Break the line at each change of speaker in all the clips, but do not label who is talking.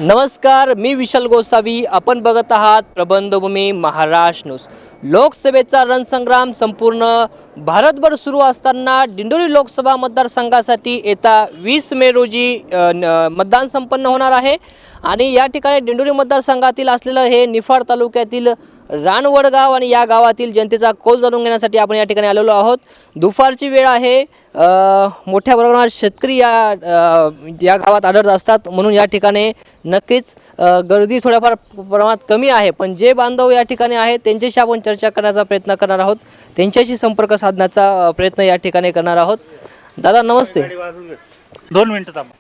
नमस्कार, मी विशाल गोसावी. आपण बघत आहात प्रबंधभूमी महाराष्ट्र न्यूज. लोकसभेचा रणसंग्राम संपूर्ण भारतभर सुरू असताना दिंडोरी लोकसभा मतदारसंघासाठी येत्या 20 मे रोजी मतदान संपन्न होणार आहे. आणि या ठिकाणी दिंडोरी मतदारसंघातील असलेलं हे निफाड तालुक्यातील रानवडगाव आणि या गावातील जनतेचा कौल जाणून घेण्यासाठी आपण या ठिकाणी आलेलो आहोत. दुपारची वेळ आहे. मोठ्या प्रमाणात शेतकरी या गावात आढळत असतात, म्हणून या ठिकाणी नक्कीच गर्दी थोड्याफार प्रमाणात कमी आहे. पण जे बांधव या ठिकाणी आहेत त्यांच्याशी आपण चर्चा करण्याचा प्रयत्न करणार आहोत, त्यांच्याशी संपर्क साधण्याचा प्रयत्न या ठिकाणी करणार आहोत. दादा नमस्ते.
2 मिनिटं थांबा.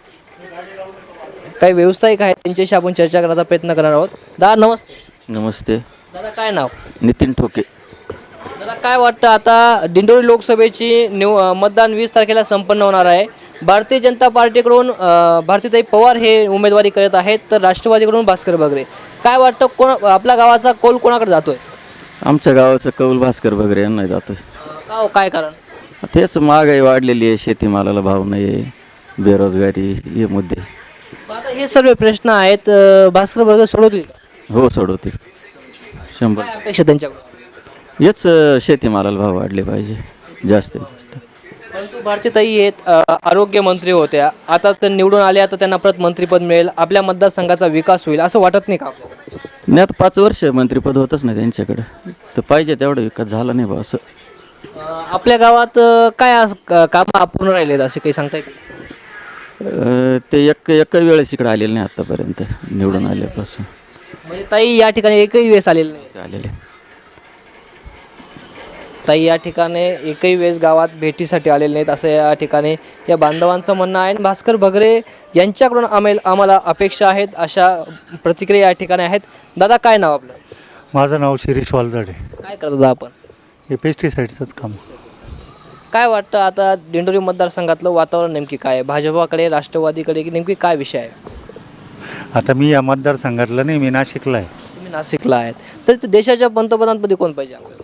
काही व्यावसायिक आहेत त्यांच्याशी आपण चर्चा करण्याचा प्रयत्न करणार आहोत. दादा नमस्ते.
नमस्ते.
दादा काय नाव?
नितीन ठोके.
दादा काय वाटतं, आता दिंडोरी लोकसभेची मतदान 20 तारखेला संपन्न होणार आहे. भारतीय जनता पार्टीकडून भारतीताई पवार हे उमेदवारी करत आहेत, तर राष्ट्रवादीकडून भास्कर बगरे. काय वाटतं, कोण आपल्या गावाचा कौल कोणाकडे जातोय?
आमच्या गावाचं कौल भास्कर बगरे यांना जातोय.
का हो, काय कारण?
तेच महागाई वाढलेली आहे, शेतीमालाला भाव नाही आहे, बेरोजगारी हे मुद्दे.
आता हे सर्व प्रश्न आहेत, भास्कर बगरे सोडवतील का?
हो सोडवतील 100.
काय अपेक्षा त्यांच्याकडून?
हेच शेतीमालाला भाव वाढले पाहिजे जास्तीत जास्त.
परंतु भारतीताई आहेत, आरोग्य मंत्री होत्या, आता तर निवडून आल्या तर त्यांना परत मंत्रिपद मिळेल, आपल्या मतदारसंघाचा विकास होईल असं वाटत नाही का आपल्याला?
नाही, आता 5 वर्ष मंत्रिपद होतच नाही त्यांच्याकडे, तर पाहिजे तेवढा विकास झाला नाही बा असं.
आपल्या गावात काय कामं अपूर्ण राहिलेत असे काही सांगता येईल?
ते एक वेळेस इकडे आलेले नाही आतापर्यंत निवडून आल्यापासून.
म्हणजे ताई या ठिकाणी एकही वेळेस आलेली नाही.
आलेले
ताई या ठिकाणी एकही वेळेस गावात भेटीसाठी आलेले नाहीत असं या ठिकाणी या बांधवांचं म्हणणं आहे. बास्कर बगरे यांच्याकडून आम्हाला अपेक्षा आहेत अशा प्रतिक्रिया या ठिकाणी आहेत. दादा काय नाव आपलं?
माझं नाव शिरीष वालझाडे.
काय करतो दादा आपण?
हे पेस्टिसाईडचंच काम.
काय वाटतं, आता दिंडोरी मतदारसंघातलं वातावरण नेमकी काय आहे? भाजपाकडे, राष्ट्रवादीकडे की नेमकी काय विषय आहे?
आता मी या मतदारसंघातला नाही, मी नाशिकला आहे.
तुम्ही नाशिकला आहेत, तर देशाच्या पंतप्रधानपदी कोण पाहिजे आपल्याला?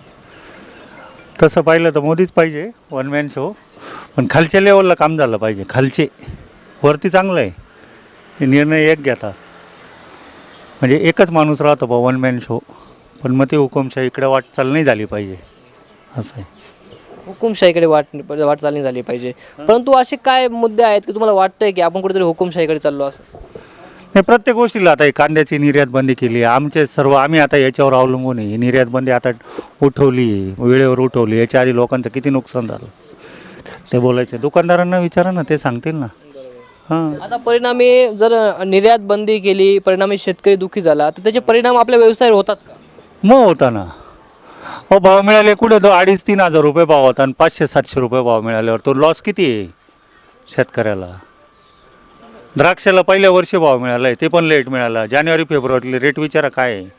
तसं पाहिलं तर मोदीच पाहिजे, वन मॅन शो. पण खालच्या लेवलला काम झालं पाहिजे. खालचे वरती चांगलं आहे, हे निर्णय एक घेतात, म्हणजे एकच माणूस राहतो बा वन मॅन शो. पण मग ते हुकुमशाही इकडे वाटचाल नाही झाली पाहिजे असं आहे.
हुकुमशाहीकडे वाटचाल नाही झाली पाहिजे. परंतु असे काय मुद्दे आहेत की तुम्हाला वाटतंय की आपण कुठेतरी हुकुमशाहीकडे चाललो असं?
नाही, प्रत्येक गोष्टीला आता कांद्याची निर्यात बंदी केली. आम्ही आता याच्यावर अवलंबून आहे. ही निर्यात बंदी आता उठवली, वेळेवर उठवली. याच्या आधी लोकांचं किती नुकसान झालं ते बोलायचं. दुकानदारांना विचारा ना, ते सांगतील ना. हां,
आता परिणामी जर निर्यात बंदी केली, परिणामी शेतकरी दुःखी झाला, तर त्याचे परिणाम आपल्या व्यवसायावर होतात का?
मग होता ना. हो, भाव मिळाले कुठे तो 2,500-3 हजार रुपये भाव होता आणि 500-700 रुपये भाव मिळाल्यावर तो लॉस किती आहे शेतकऱ्याला? द्राक्षाला पहिल्या वर्षी भाव मिळाला आहे, ते पण लेट मिळाला. जानेवारी फेब्रुवारीला रेट विचारा काय आहे.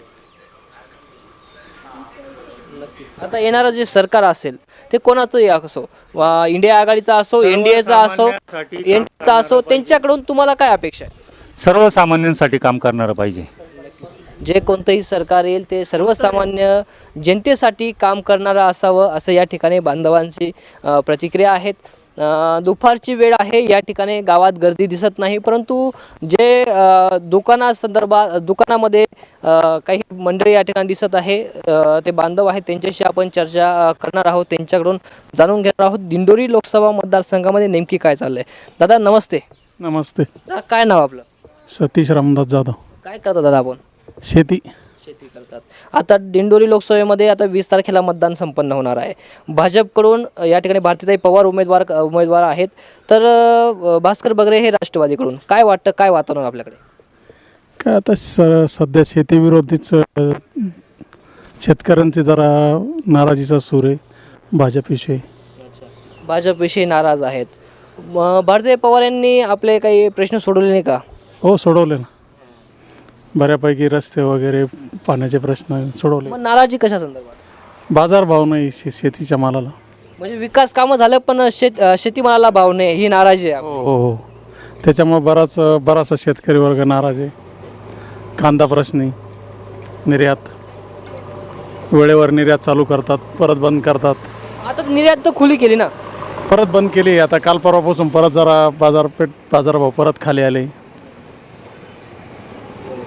आता येणारं जे सरकार असेल ते कोणाचंही असो, इंडिया आघाडीचा असो, एनडीएचा असो, त्यांच्याकडून तुम्हाला काय अपेक्षा आहे?
सर्वसामान्यांसाठी काम करणारं पाहिजे.
जे कोणतंही सरकार येईल ते सर्वसामान्य जनतेसाठी काम करणारं असावं असं या ठिकाणी बांधवांची प्रतिक्रिया आहेत. दुपारची वेळ आहे, या ठिकाणी गावात गर्दी दिसत नाही, परंतु जे दुकानामध्ये काही मंडळी या ठिकाणी दिसत आहे, ते बांधव आहेत, त्यांच्याशी आपण चर्चा करणार आहोत, त्यांच्याकडून जाणून घेणार आहोत दिंडोरी लोकसभा मतदारसंघामध्ये नेमकी काय चाललंय. दादा नमस्ते.
नमस्ते.
दादा काय नाव आपलं?
सतीश रामदास जाधव.
काय करता दादा आपण?
शेती
करतात. आता दिंडोरी लोकसभेमध्ये आता 20 तारखेला मतदान संपन्न होणार आहे. भाजपकडून या ठिकाणी भारतीताई पवार उमेदवार आहेत, तर भास्कर बगरे हे राष्ट्रवादीकडून. काय वाटतं, काय वातावरण आपल्याकडे?
काय आता सध्या शेतीविरोधीच शेतकऱ्यांचे जरा नाराजीचा सूर आहे भाजपविषयी.
भाजपविषयी नाराज आहेत. भारतीताई पवार यांनी आपले काही प्रश्न सोडवले नाही का?
हो सोडवले ना, बऱ्यापैकी रस्ते वगैरे पाण्याचे प्रश्न सोडवले.
मग नाराजी कशा संदर्भात?
बाजारभाव नाही शेतीच्या मालाला.
म्हणजे विकास कामं झालं पण शेतीमालाला भाव नाही, ही नाराजी आहे.
हो हो हो, त्याच्यामुळे बराचसा शेतकरी वर्ग नाराज आहे. कांदा प्रश्नी, निर्यात वेळेवर निर्यात चालू करतात, परत बंद करतात.
आता निर्यात तर खुली केली ना,
परत बंद केली. आता काल परवापासून परत जरा बाजारभाव परत खाली आले.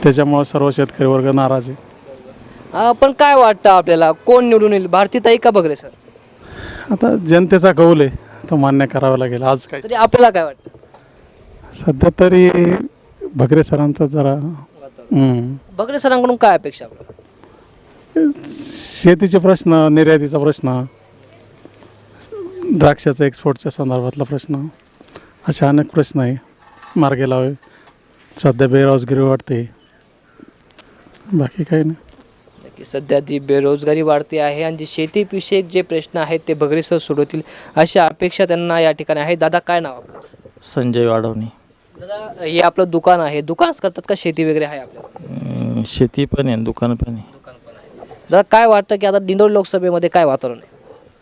त्याच्यामुळं सर्व शेतकरी वर्ग नाराज आहे.
पण काय वाटतं आपल्याला कोण निवडून येईल, भारतीताई का बगरे सर?
आता जनतेचा कौल आहे, तो मान्य करावा लागेल. आज काय
तरी आपल्याला काय वाटतं?
सध्या तरी भगरे सरांचा जरा
बगरे सरांकडून काय अपेक्षा आपल्याला?
शेतीचे प्रश्न, निर्यातीचा प्रश्न, द्राक्षाचा एक्सपोर्टच्या संदर्भातला प्रश्न, असे अनेक प्रश्न आहे मार्गी लावे. सध्या बेरोजगारी वाढते, बाकी काही नाही.
की सध्या जी बेरोजगारी वाढते आहे आणि जी शेतीविषयक जे प्रश्न आहेत ते बगरे सर सोडवतील अशी अपेक्षा त्यांना या ठिकाणी आहे. दादा काय नाव आपलं?
संजय वाढवणे.
दादा हे आपलं दुकान आहे, दुकानच करतात का शेती वगैरे आहे आपल्याला?
शेती पण आहे, दुकान पण आहे.
दुकान पण आहे. दादा काय वाटतं की आता दिंडोरी लोकसभेमध्ये काय वातावरण आहे?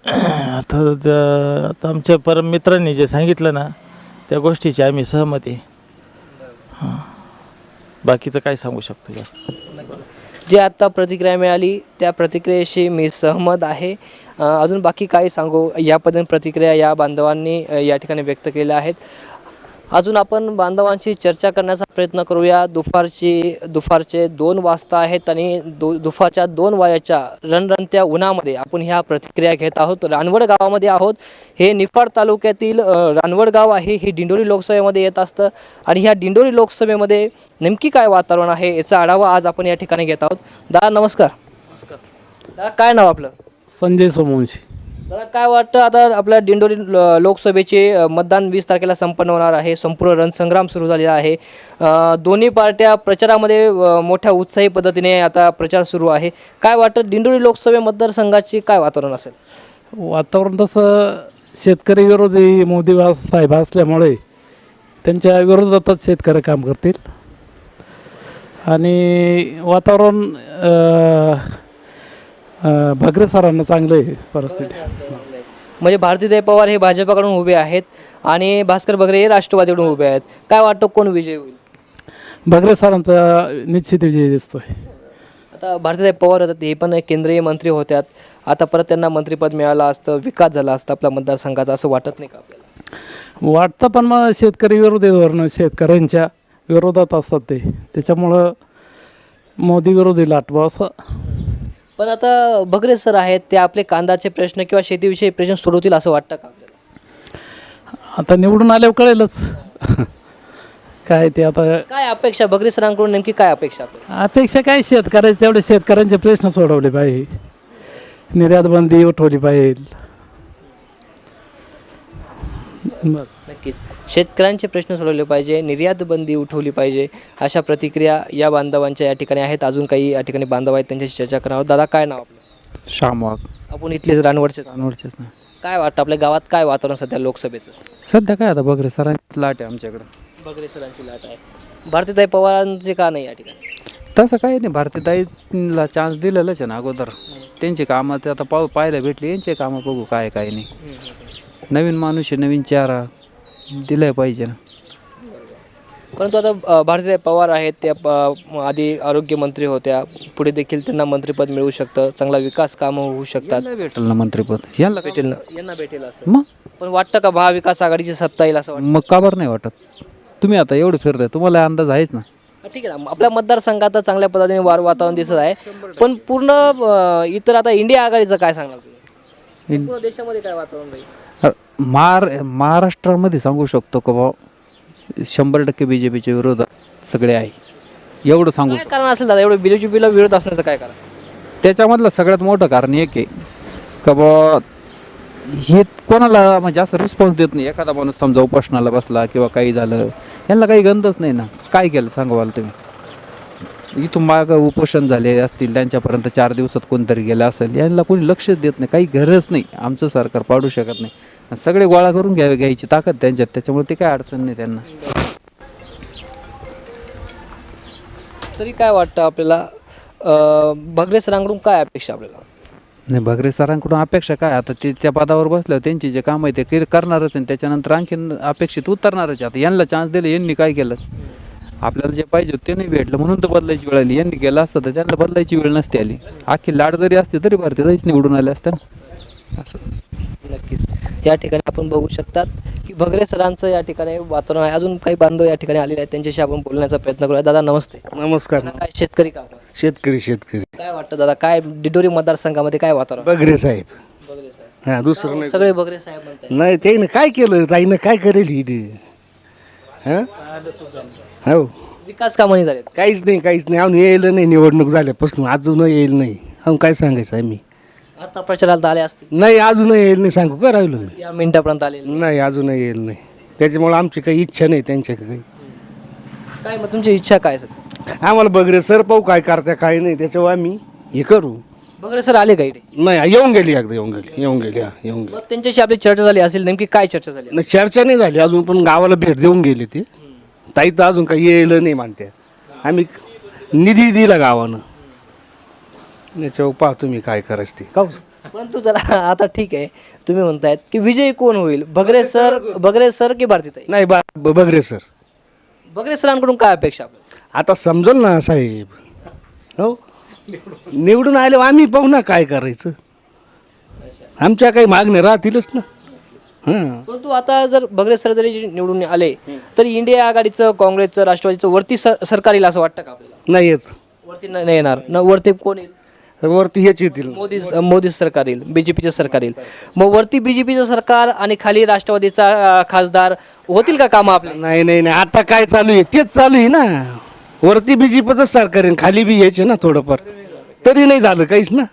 आता आमच्या परम मित्रांनी जे सांगितलं ना त्या गोष्टीची आम्ही सहमत आहे. हां, बाकीचं काय सांगू शकतो जास्त.
जे आता प्रतिक्रिया मिळाली त्या प्रतिक्रियेशी मी सहमत आहे. अजून बाकी काय सांगू या पद्धतीने प्रतिक्रिया या बांधवांनी या ठिकाणी व्यक्त केल्या आहेत. अजून आपण बांधवांशी चर्चा करण्याचा प्रयत्न करूया. दुपारचे 2 वाजता आहेत आणि दुपारच्या 2 वाजेच्या रणरणत्या उन्हामध्ये आपण ह्या प्रतिक्रिया घेत आहोत. रानवड गावामध्ये आहोत. हे निफाड तालुक्यातील रानवड गाव आहे. हे दिंडोरी लोकसभेमध्ये येत असतं आणि ह्या दिंडोरी लोकसभेमध्ये नेमकी काय वातावरण आहे याचा आढावा आज आपण या ठिकाणी घेत आहोत. दादा नमस्कार. दादा काय नाव आपलं?
संजय सोमवंशी.
दादा काय वाटतं आता आपल्या दिंडोरी लोकसभेचे मतदान 20 तारखेला संपन्न होणार आहे. संपूर्ण रणसंग्राम सुरू झालेला आहे. दोन्ही पार्ट्या प्रचारामध्ये मोठ्या उत्साही पद्धतीने आता प्रचार सुरू आहे. काय वाटतं दिंडोरी लोकसभा मतदारसंघाची काय वातावरण असेल?
वातावरण तसं शेतकरी विरोधी मोदी साहेब असल्यामुळे त्यांच्या विरोधातच शेतकरी काम करतील आणि वातावरण भगरे सरांना चांगलं आहे परिस्थिती.
म्हणजे भारतीताई पवार हे भाजपाकडून उभे आहेत आणि भास्कर बगरे हे राष्ट्रवादीकडून उभे आहेत. काय वाटतं कोण विजय होईल?
भगरे सरांचा निश्चित विजय दिसतोय.
आता भारतीताई पवार होतात, हे पण एक केंद्रीय मंत्री होत्यात. आता परत त्यांना मंत्रिपद मिळालं असतं, विकास झाला असता आपल्या मतदारसंघाचा, असं वाटत नाही का आपल्याला?
वाटतं पण मग शेतकरी विरोधी धोरणं शेतकऱ्यांच्या विरोधात असतात त्याच्यामुळं मोदी विरोधी लाटवा असं.
पण आता बगरे सर आहेत ते आपले कांद्याचे प्रश्न किंवा शेतीविषयी प्रश्न सोडवतील असं वाटतं का आपल्याला?
आता निवडून आल्यावर कळेलच काय ते. आता
काय अपेक्षा बगरे सरांकडून नेमकी काय अपेक्षा आपल्याला?
अपेक्षा काय शेतकऱ्याचे तेवढे शेतकऱ्यांचे प्रश्न सोडवले पाहिजे, निर्यात बंदी उठवली पाहिजे.
नक्कीच शेतकऱ्यांचे प्रश्न सोडवले पाहिजे, निर्यात बंदी उठवली पाहिजे, अशा प्रतिक्रिया या बांधवांच्या या ठिकाणी आहेत. अजून काही या ठिकाणी बांधव आहेत त्यांच्याशी चर्चा करणार आहोत. दादा काय नाव आपलं?
श्यामवाग.
आपण इथलेच रानवडचेच.
अनवडचेच ना.
काय वाटतं आपल्या गावात काय वातावरण सध्या लोकसभेचं?
सध्या काय आता बघ रे सरांची लाट आहे आमच्याकडं.
बगरे सरांची लाट आहे. भारतीताई पवारांचे का नाही या ठिकाणी?
तसं काही नाही, भारतीताईला चान्स दिलेलंच आहे ना अगोदर. त्यांची कामं ते आता पाहायला भेटली, यांचे कामं बघू काय काय नाही. नवीन माणूस आहे, नवीन चेहरा दिलाय पाहिजे ना.
परंतु आता भारतीताई पवार आहेत त्या आधी आरोग्यमंत्री होत्या, पुढे देखील त्यांना मंत्रिपद मिळू शकतं, चांगला विकास कामं होऊ शकतात.
यांना भेटेल ना मंत्रिपद, यांना
भेटेल ना, यांना भेटेल असं.
मग
पण वाटतं का महाविकास आघाडीची सत्ता येईल असं वाटतं?
मग का बरं नाही वाटत? तुम्ही आता एवढं फिरताय, तुम्हाला अंदाज आहेच ना.
ठीक आहे ना, आपल्या मतदारसंघात चांगल्या पद्धतीने वातावरण दिसत आहे. पण पूर्ण इतर आता इंडिया आघाडीचं काय सांगाल तुम्ही? संपूर्ण देशामध्ये काय वातावरण राहील?
महाराष्ट्रामध्ये सांगू शकतो का बा 100% BJPच्या विरोधात सगळे आहे, एवढं सांगू.
काय कारण असेल दादा एवढं BJPला विरोध असण्याचं काय कारण?
त्याच्यामधलं सगळ्यात मोठं कारण एक आहे का बा हे कोणाला म्हणजे असं रिस्पॉन्स देत नाही. एखादा माणूस समजा उपोषणाला बसला किंवा काही झालं, यांना काही गंधच नाही ना. काय केलं सांगा तुम्ही? इथून माग उपोषण झाले असतील, त्यांच्यापर्यंत 4 दिवसात कोणतरी गेलं असेल, यांना कोणी लक्षच देत नाही. काही गरज नाही, आमचं सरकार पाडू शकत नाही. सगळे गोळा करून घ्यायची ताकद त्यांच्यात, त्याच्यामुळे ते काय अडचण नाही त्यांना.
तरी काय वाटतं आपल्याला भगरे सरांकडून काय अपेक्षा आपल्याला?
नाही, भगरे सरांकडून अपेक्षा काय, आता ते त्या पदावर बसल्यावर त्यांची जे काम आहे ते करणारच आहे. त्याच्यानंतर आणखीन अपेक्षित उतरणारच. आता यांना चान्स दिले, यांनी काय केलं? आपल्याला जे पाहिजे ते नाही भेटलं म्हणून तर बदलायची वेळ आली. यांनी गेलं असतं तर त्यांना बदलायची वेळ नसते आली. आखी लाट जरी असते तरी भारतीताईच निवडून आले असते असं.
नक्कीच या ठिकाणी आपण बघू शकतात की भगरे सरांचं या ठिकाणी वातावरण आहे. अजून काही बांधव या ठिकाणी आलेले आहेत, त्यांच्याशी आपण बोलण्याचा प्रयत्न करूया. दादा नमस्ते.
नमस्कार.
दादा, काय शेतकरी का आपण?
शेतकरी
काय वाटतं दादा, काय दिंडोरी मतदारसंघामध्ये काय वातावरण?
बगरे साहेब.
बगरे साहेब.
हा, दुसरं नाही.
सगळे बगरे साहेब म्हणतात.
नाही ते ना काय केलं ताईनं, काय करेल ही ते? हा? हो,
विकास कामाने झालेत.
काहीच नाही अजून येईल नाही, निवडणूक झाल्यापासून अजून येईल नाही. अजून काय सांगायचं आम्ही?
आता प्रचाराला तर आले असतील,
नाही अजून येईल नाही, सांगू का राहिलो मी?
या मिनिटापर्यंत आले
नाही अजून येईल नाही, त्याच्यामुळे आमची काही इच्छा नाही त्यांच्याकडे काही.
काय मग तुमची इच्छा काय सर?
आम्हाला बगरे सर पाहू काय करता काय नाही, त्याच्यावर आम्ही हे करू.
बगरे सर आले का इथे?
नाही येऊन गेली एकदा, येऊन गेली.
मग त्यांच्याशी आपली चर्चा झाली असेल, नेमकी काय चर्चा झाली?
नाही चर्चा नाही झाली अजून, पण गावाला भेट देऊन गेली ती ताई. तर अजून काही येईल नाही म्हणते. आम्ही निधी दिला गावानं, याच्यावर पाहतो मी काय करायचं ते. का
परंतु जरा आता ठीक आहे, तुम्ही म्हणतायत की विजय कोण होईल, बगरे सर की भारतीताई?
नाही बगरे सर.
बगरे सरांकडून काय अपेक्षा आपल्याला?
आता समजल ना साहेब. हो, निवडून आले आम्ही पाहू ना काय करायचं. आमच्या काही मागण्या राहतीलच ना. हां,
परंतु आता जर बगरे सर जरी निवडून आले तर इंडिया आघाडीचं, काँग्रेसचं, राष्ट्रवादीचं वरती सरकार येईल असं वाटतं का आपल्याला?
नाही येत.
वरती नाही येणार ना, वरती कोण येईल?
वरती हेच येतील.
मोदी सरकार येईल, बीजेपीचं सरकार येईल. मग वरती बीजेपीचं सरकार आणि खाली राष्ट्रवादीचा खासदार होतील का कामं आपले?
नाही आता काय चालू आहे तेच चालू आहे ना. वरती बीजेपीचं सरकार आहे, खाली बी यायचे ना थोडंफार, तरी नाही झालं काहीच ना.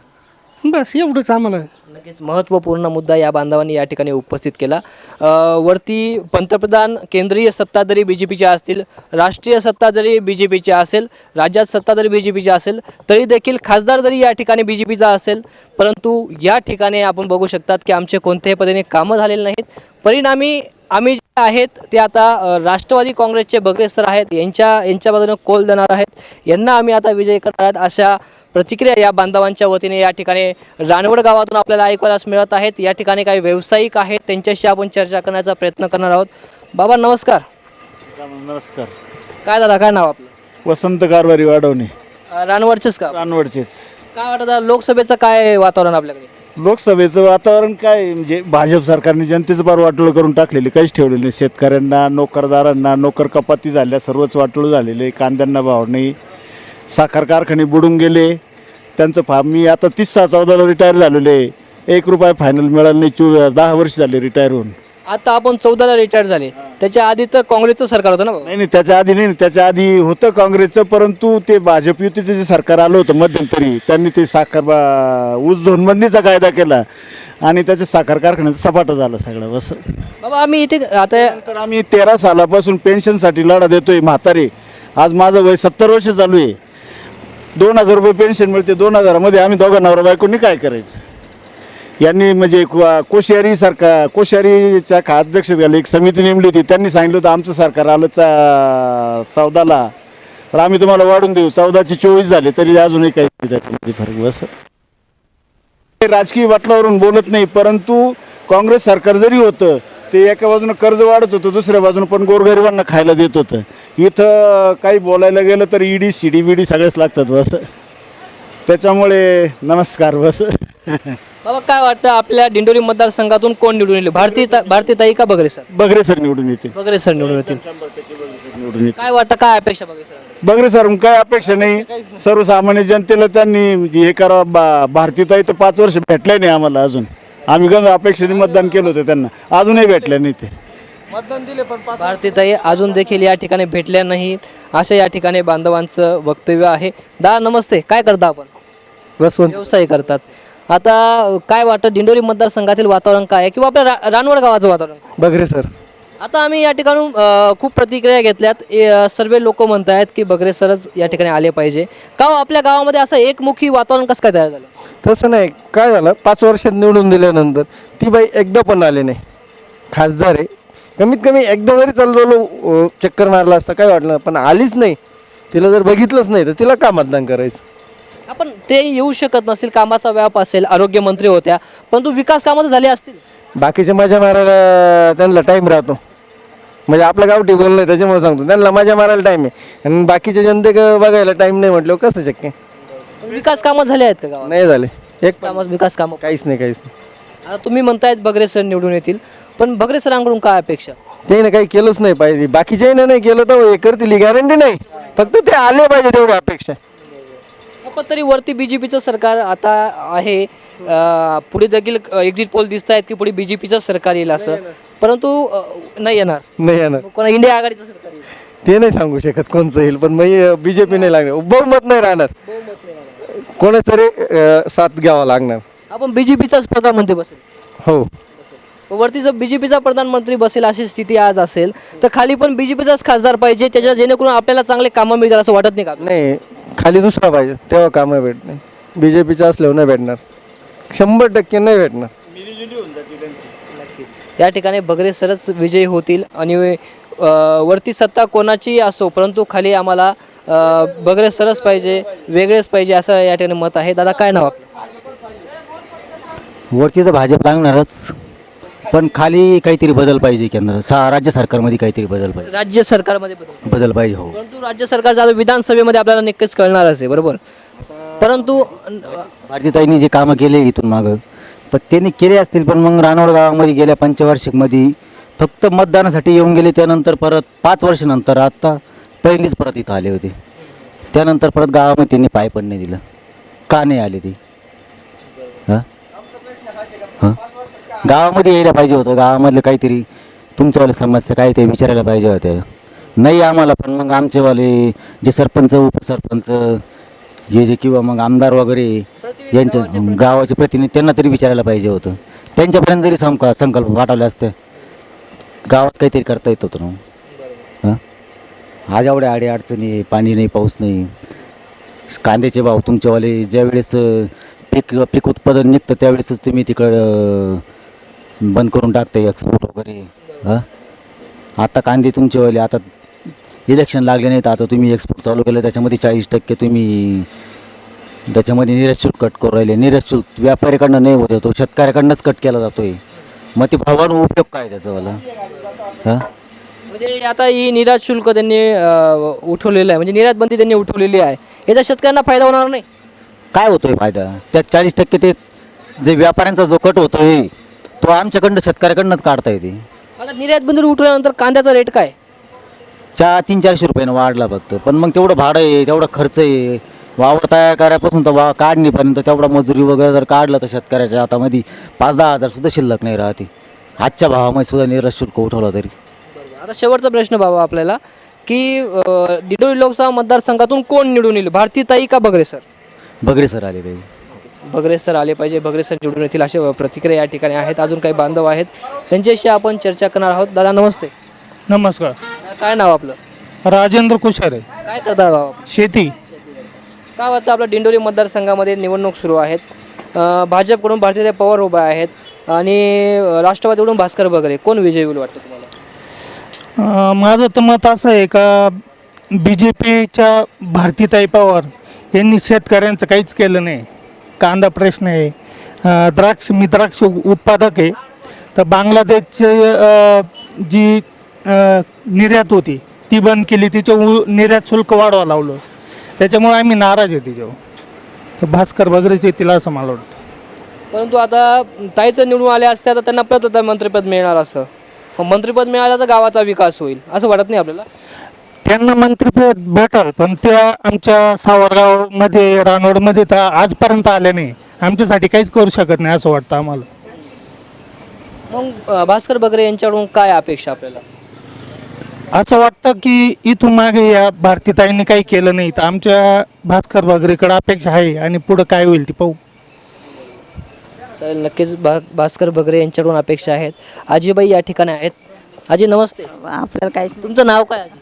बस एवढंच आम्हाला.
नक्कीच महत्त्वपूर्ण मुद्दा या बांधवांनी या ठिकाणी उपस्थित केला. वरती पंतप्रधान, केंद्रीय सत्ता जरी बीजेपीचे असतील, राष्ट्रीय सत्ता जरी बीजेपीची असेल, राज्यात सत्ता जरी बीजेपीची असेल, तरी देखील खासदार जरी या ठिकाणी बीजेपीचा असेल, परंतु या ठिकाणी आपण बघू शकतात की आमचे कोणत्याही पद्धतीने कामं झालेले नाहीत. परिणामी आम्ही जे आहेत ते आता राष्ट्रवादी काँग्रेसचे बगरे सर आहेत, यांच्या बाजूने कौल देणार आहेत. यांना आम्ही आता विजय करणार आहेत, अशा प्रतिक्रिया या बांधवांच्या वतीने या ठिकाणी रानवड गावातून आपल्याला ऐकायलाच मिळत आहेत. या ठिकाणी काही व्यावसायिक आहेत, त्यांच्याशी आपण चर्चा करण्याचा प्रयत्न करणार आहोत. बाबा नमस्कार.
नमस्कार.
काय दादा, काय नाव आपलं?
वसंत कारभारी वाढवणे,
रानवडचेच का?
रानवडचेच.
काय वाटतं लोकसभेचं काय वातावरण आपल्याकडे?
लोकसभेचं वातावरण काय म्हणजे भाजप सरकारने जनतेचं फार वाटोळं करून टाकलेले, काहीच ठेवलेलं नाही. शेतकऱ्यांना, नोकरदारांना, नोकर कपाती झाल्या, सर्वच वाटोळं झालेले. कांद्यांना भाव नाही, साखर कारखाने बुडून गेले. त्यांचं मी आता 30/6/14 रिटायर झालेले, 1 रुपया फायनल मिळालं नाही. 10 वर्ष झाले रिटायर होऊन.
आता आपण 14ला रिटायर झाले, त्याच्या आधी तर काँग्रेसचं सरकार होतं ना भाऊ?
नाही त्याच्या आधी नाही, त्याच्या आधी होतं काँग्रेसचं, परंतु ते भाजप युतीचं जे सरकार आलं होतं मध्यंतरी, त्यांनी ते ऊस झोनबंदीचा कायदा केला आणि त्याच्या साखर कारखान्याचं सपाटं झालं सगळं. बस
बाबा आम्ही इथे आता
तर आम्ही 13 सालापासून पेन्शनसाठी लढा देतोय. म्हातारे, आज माझं वय 70 वर्ष चालू आहे. 2000 रुपये पेन्शन मिळते. 2000 मध्ये आम्ही दोघं नवरा बायकोनी काय करायचं? यांनी म्हणजे कोश्यारीच्या अध्यक्षतेखाली एक समिती नेमली होती. त्यांनी सांगितलं होतं आमचं सरकार आलं 14ला, तर आम्ही तुम्हाला वाढून देऊ. 14चे 24 झाले, तरी अजूनही काही त्याच्यामध्ये फरक. बस राजकीय वाटलावरून बोलत नाही, परंतु काँग्रेस सरकार जरी होतं ते एका बाजूनं कर्ज वाढत होतं, दुसऱ्या बाजूनं पण गोरगरिबांना खायला देत होतं. इथं काही बोलायला गेलं तर ईडी CDBD सगळेच लागतात. बस त्याच्यामुळे नमस्कार. बस
बाबा काय वाटतं आपल्या दिंडोरी मतदारसंघातून कोण निवडून येईल, भारतीताई का बगरे सर?
बगरे सर निवडून येते.
बगरे सर निवडून येतील.
निवडून येते.
काय वाटतं, काय अपेक्षा बगरे सर?
बगरे सर काय अपेक्षा नाही. सर्वसामान्य जनतेला त्यांनी हे करा. भारतीताई तर 5 वर्ष भेटले नाही आम्हाला अजून. आम्ही गंज अपेक्षेने मतदान केलं होतं त्यांना, अजूनही भेटले नाही. ते
भारतीताई अजून देखील या ठिकाणी भेटल्या नाहीत, असं या ठिकाणी बांधवांचं वक्तव्य आहे. दादा नमस्ते, काय करता आपण? व्यवसाय करतात. आता काय वाटतं दिंडोरी मतदारसंघातील वातावरण काय आहे, किंवा आपल्या रानवड गावाचं वातावरण?
बगरे सर.
आता आम्ही या ठिकाणून खूप प्रतिक्रिया घेतल्यात. सर्व लोक म्हणत आहेत की बगरे सरच या ठिकाणी आले पाहिजे. का हो, आपल्या गावामध्ये असं एकमुखी वातावरण कसं काय तयार झालं?
तसं नाही, काय झालं, 5 वर्षात निवडून दिल्यानंतर ती बाई एकदा पण आले नाही. खासदार आहे, कमीत कमी एकदा जरी चाललो चक्कर मारला असता काय वाटलं, पण आलीच नाही. तिला जर बघितलंच नाही तर तिला का मतदान करायचं?
आपण ते येऊ शकत नसतील, कामाचा व्याप असेल, आरोग्यमंत्री होत्या, परंतु विकास कामं तर झाले असतील.
बाकीच्या मजा मारायला त्यांना टाईम राहतो. म्हणजे आपलं गावठी बोलणं त्याच्यामुळे सांगतो, त्यांना मजा मारायला टाईम आहे आणि बाकीच्या जनतेक बघायला टाईम नाही म्हटलं कसं शक्य?
विकास कामं झाले आहेत का गावात?
नाही झाले. एक
विकास कामं
काहीच नाही.
आता तुम्ही म्हणतायत बगरे सर निवडून येतील, पण बगरे सरांकडून काय अपेक्षा?
त्याने काही केलंच नाही पाहिजे, बाकीच्याने नाही केलं तर हे करतील ही गॅरंटी नाही, फक्त ते आले पाहिजे तेवढी अपेक्षा आहे.
पण तरी वरती बीजेपीचं सरकार आता आहे, पुढे देखील एक्झिट पोल दिसत आहेत की पुढे बीजेपीचं सरकार येईल असं, परंतु नाही येणार.
नाही येणार
मग कोणा इंडिया आघाडीचं सरकार येईल?
ते नाही सांगू शकत कोणचं येईल, पण मग बीजेपी नाही लागणार, बहुमत नाही राहणार, कोणाच तरी साथ घ्यावा लागणार.
आपण बीजेपीचाच प्रधानमंत्री बसेल.
हो,
वरती जर बीजेपीचा प्रधानमंत्री बसेल अशी स्थिती आज असेल तर खाली पण बीजेपीचाच खासदार पाहिजे, त्याच्या जेणेकरून आपल्याला चांगले कामं मिळतात असं वाटत नाही का?
नाही खाली दुसरा पाहिजे तेव्हा कामं भेटणार. बीजेपीचं असल्यावर नाही भेटणार, 100% नाही भेटणार.
या ठिकाणी बगरे सरच विजयी होतील आणि वरती सत्ता कोणाची असो परंतु खाली आम्हाला बगरे सरच पाहिजे, वेगळेच पाहिजे असं या ठिकाणी मत आहे. दादा काय नाव आपलं?
वरती तर भाजप लागणारच, पण खाली काहीतरी बदल पाहिजे. केंद्र राज्य सरकारमध्ये काहीतरी बदल पाहिजे.
राज्य सरकारमध्ये
बदल पाहिजे. हो,
परंतु राज्य सरकारचं आता विधानसभेमध्ये आपल्याला नक्कीच कळणारच आहे, बरोबर. परंतु
भारतीताईंनी जे कामं केले इथून मागं, पण त्यांनी केले असतील, पण मग रानवड गावामध्ये गेल्या पंचवार्षिकमध्ये फक्त मतदानासाठी येऊन गेले. त्यानंतर परत 5 वर्षानंतर आत्ता पहिलीच परत इथं आले होते. त्यानंतर परत गावामध्ये त्यांनी पाय पण नाही दिलं. का नाही आले ते? हां हां गावामध्ये यायला पाहिजे होतं. गावामधलं काहीतरी तुमच्यावाले समस्या काय ते विचारायला पाहिजे होत्या. नाही आम्हाला, पण मग आमचेवाले जे सरपंच उपसरपंच जे किंवा मग आमदार वगैरे यांच्या गावाचे प्रतिनिधी त्यांना तरी विचारायला पाहिजे होतं. त्यांच्यापर्यंत जरी संकल्प पाठवले असते गावात काहीतरी करता येत होतं ना. हां आज एवढ्या अडचणी, पाणी नाही, पाऊस नाही, कांद्याचे भाव तुमच्यावाले ज्यावेळेस पीक उत्पादन निघतं त्यावेळेसच तुम्ही तिकडं बंद करून टाकता एक्सपोर्ट वगैरे. हां आता कांदे तुमच्यावाले आता इलेक्शन लागले नाही तर आता तुम्ही एक्सपोर्ट चालू केलं, त्याच्यामध्ये 40% तुम्ही त्याच्यामध्ये निर्यात शुल्क कट करू राहिले. निर्यात शुल्क व्यापाऱ्याकडनं नाही होत, तो शेतकऱ्याकडनंच कट केला जातो आहे. मग ते भावानं उपयोग काय त्याचावाला? हां
म्हणजे आता ही निर्यात शुल्क त्यांनी उठवलेलं आहे, म्हणजे निर्यात बंदी त्यांनी उठवलेली आहे, याचा शेतकऱ्यांना फायदा होणार नाही.
काय होतोय फायदा? त्या 40% ते जे व्यापाऱ्यांचा जो कट होतोय तो आमच्याकडनं शेतकऱ्याकडनंच काढता येते.
आता निर्यात बंदी उठवल्यानंतर कांद्याचा रेट काय?
300-400 रुपयानं वाढला फक्त, पण मग तेवढं भाडं आहे, तेवढा खर्च आहे, वावर तयार करायपासून तर काढणीपर्यंत तेवढा मजुरी वगैरे जर काढलं तर शेतकऱ्याच्या हातामध्ये 5-10 हजार सुद्धा शिल्लक नाही राहते. आजच्या भावामध्ये सुद्धा निर्यात शुल्क उठवला तरी.
आता शेवटचा प्रश्न बाबा आपल्याला की दिंडोरी लोकसभा मतदारसंघातून कोण निवडून येईल, भारतीताई का बगरे सर?
बगरे सर आले पाहिजे.
बगरे सर आले पाहिजे, बगरे सर निवडून येतील अशा प्रतिक्रिया या ठिकाणी आहेत. अजून काही बांधव आहेत त्यांच्याशी आपण चर्चा करणार आहोत. दादा नमस्ते.
नमस्कार.
काय नाव आपलं?
राजेंद्र कुशारे.
काय करता बाबा?
शेती.
काय वाटतं आपल्या दिंडोरी मतदारसंघामध्ये निवडणूक सुरू आहेत, भाजपकडून भारतीय पवार उभा आहेत आणि राष्ट्रवादीकडून भास्कर बगरे, कोण विजयी होईल वाटतं तुम्हाला?
माझं तर मत असं आहे का BJPच्या भारतीताई पवार यांनी शेतकऱ्यांचं काहीच केलं नाही. कांदा प्रश्न आहे, द्राक्ष उत्पादक आहे, तर बांगलादेशची जी निर्यात होती ती बंद केली, तिचं निर्यात शुल्क वाढवा लावलं, त्याच्यामुळे आम्ही नाराज आहे तिच्यावर. तर भास्कर बगरेच येतील असं मला वाटतं.
परंतु आता ताईचं निवडून आले असते तर त्यांना परत आता मंत्रिपद मिळणार, असं मंत्रिपद मिळालं तर गावाचा विकास होईल असं वाटत नाही आपल्याला?
त्यांना मंत्रिपद भेटल, पण त्या आमच्या सावरगावमध्ये रानोडमध्ये तर आजपर्यंत आल्या नाही, आमच्यासाठी काहीच करू शकत नाही असं वाटतं आम्हाला.
मग भास्कर बगरे यांच्याकडून काय अपेक्षा आपल्याला?
असं वाटतं की इथून मागे या भारतीताईंनी काही केलं नाही, तर आमच्या भास्कर बगरेकडे अपेक्षा आहे आणि पुढं काय होईल ती पाहू.
चालेल, नक्कीच भास्कर बगरे यांच्याकडून अपेक्षा आहेत. आजीबाई या ठिकाणी आहेत. आजी नमस्ते.
आपल्याला काय
तुमचं नाव काय आजी?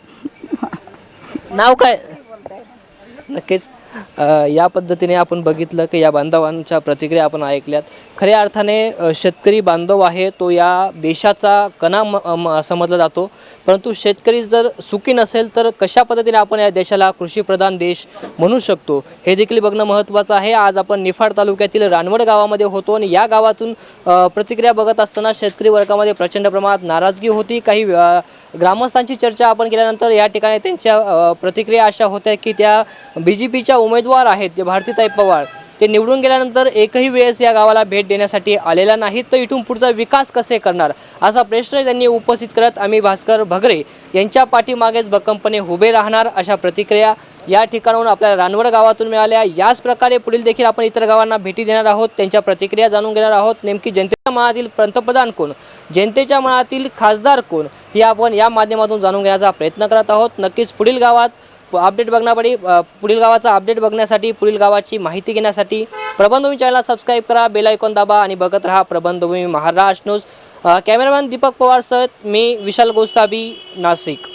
नाव काय? नक्कीच या पद्धतीने आपण बघितलं की या बांधवांच्या प्रतिक्रिया आपण ऐकल्यात. खऱ्या अर्थाने शेतकरी बांधव आहे तो या देशाचा कणा समजला जातो, परंतु शेतकरी जर सुखी नसेल तर कशा पद्धतीने आपण या देशाला कृषीप्रधान देश म्हणू शकतो हे देखील बघणं महत्त्वाचं आहे. आज आपण निफाड तालुक्यातील रानवड गावामध्ये होतो आणि या गावातून प्रतिक्रिया बघत असताना शेतकरी वर्गामध्ये प्रचंड प्रमाणात नाराजगी होती. काही ग्रामस्थांची चर्चा आपण केल्यानंतर या ठिकाणी त्यांच्या प्रतिक्रिया अशा होत्या की त्या BJPच्या उमेदवार आहेत जे भारतीताई पवार ते निवडून गेल्यानंतर एकही वेळेस या गावाला भेट देण्यासाठी आलेला नाही, तर इथून पुढचा विकास कसे करणार असा प्रश्न त्यांनी उपस्थित करत आम्ही भास्कर भगरे यांच्या पाठीमागेच भक्कमपणे उभे राहणार अशा प्रतिक्रिया या ठिकाणाहून आपल्याला रानवड गावातून मिळाल्या। याच प्रकारे पुढील देखील आपण इतर गावांना भेटी देणार आहोत, त्यांच्या प्रतिक्रिया जाणून घेणार आहोत। नेमकी जनतेच्या मनातील पंतप्रधान कोण, जनतेच्या मनातील खासदार कोण हे आपण या माध्यमातून जाणून घेण्याचा प्रयत्न करत आहोत। नक्कीच पुढील गावात अपडेट बघण्यासाठी पुढील गावाचा अपडेट बघण्यासाठी पुढील गावाची माहिती घेण्यासाठी प्रबंधभूमी चॅनलला सबस्क्राईब करा, बेल आयकॉन दाबा आणि बघत रहा प्रबंधभूमी महाराष्ट्र न्यूज। कॅमेरामॅन दीपक पवार सह मी विशाल गोसावी, नाशिक।